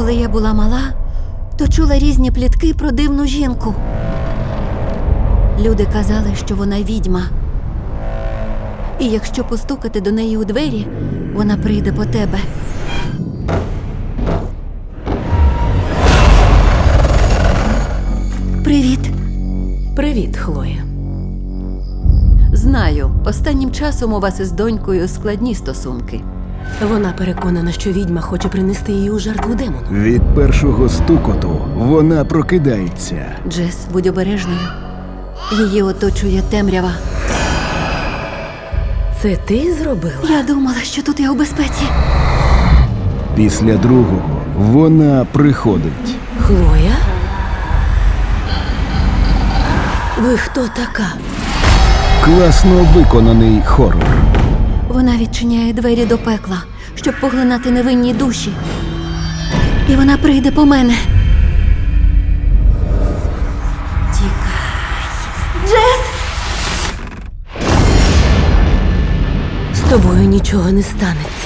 Коли я була мала, то чула різні плітки про дивну жінку. Люди казали, що вона відьма. І якщо постукати до неї у двері, вона прийде по тебе. Привіт. Привіт, Хлоя. Знаю, останнім часом у вас із донькою складні стосунки. Вона переконана, що відьма хоче принести її у жертву демону. Від першого стукоту вона прокидається. Джес, будь обережною. Її оточує темрява. Це ти зробила? Я думала, що тут я у безпеці. Після другого вона приходить. Хлоя? Ви хто така? Класно виконаний хорор. Вона відчиняє двері до пекла, щоб поглинати невинні душі. І вона прийде по мене. Тікай. Джес! З тобою нічого не станеться.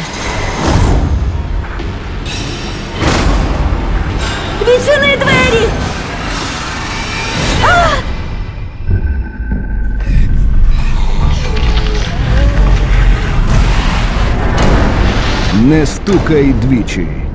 Відчини двері! Не стукай двічі.